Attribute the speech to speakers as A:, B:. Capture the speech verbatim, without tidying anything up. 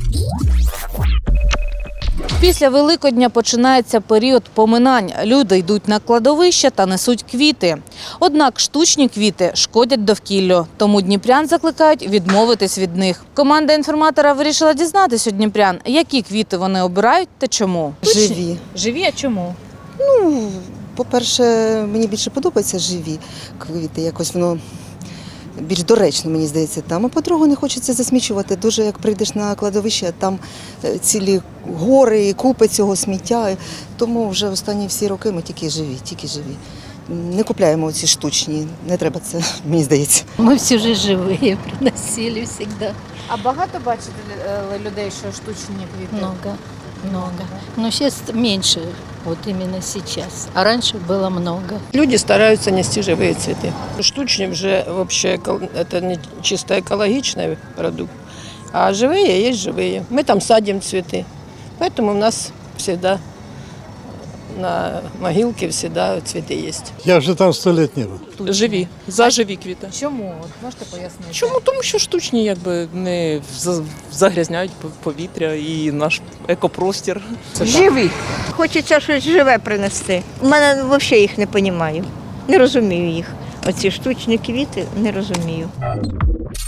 A: Після Великодня починається період поминань. Люди йдуть на кладовище та несуть квіти. Однак штучні квіти шкодять довкіллю, тому дніпрян закликають відмовитись від них. Команда інформатора вирішила дізнатись у дніпрян, які квіти вони обирають та чому.
B: Живі.
A: Живі, а чому?
B: Ну, по-перше, мені більше подобаються живі квіти, якось воно більш доречно, мені здається, там. А по-друге, не хочеться засмічувати. Дуже, як прийдеш на кладовище, там е, цілі гори і купи цього сміття. Тому вже останні всі роки ми тільки живі, тільки живі. Не купляємо ці штучні, не треба це, мені здається.
C: Мы все же живые приносили всегда.
A: А багато бачите людей, що штучні квіти?
C: Много, много. Но сейчас меньше, вот именно сейчас. А раньше было много.
D: Люди стараются нести живые цветы. Штучные уже вообще эко- это не чисто экологичный продукт, а живые есть живые. Мы там садим цветы, поэтому у нас всегда на могилке всегда цветы есть.
E: Я вже там сто лет не був.
F: Живі, за живі квіти.
A: Чому? От можете пояснити?
F: Чому? Тому що штучні якби не за- загрязняють пов- повітря і наш екопростір. Це так.
G: Живі. Хочеться щось живе принести. У мене взагалі їх не розумію. Не розумію їх. Оці штучні квіти не розумію.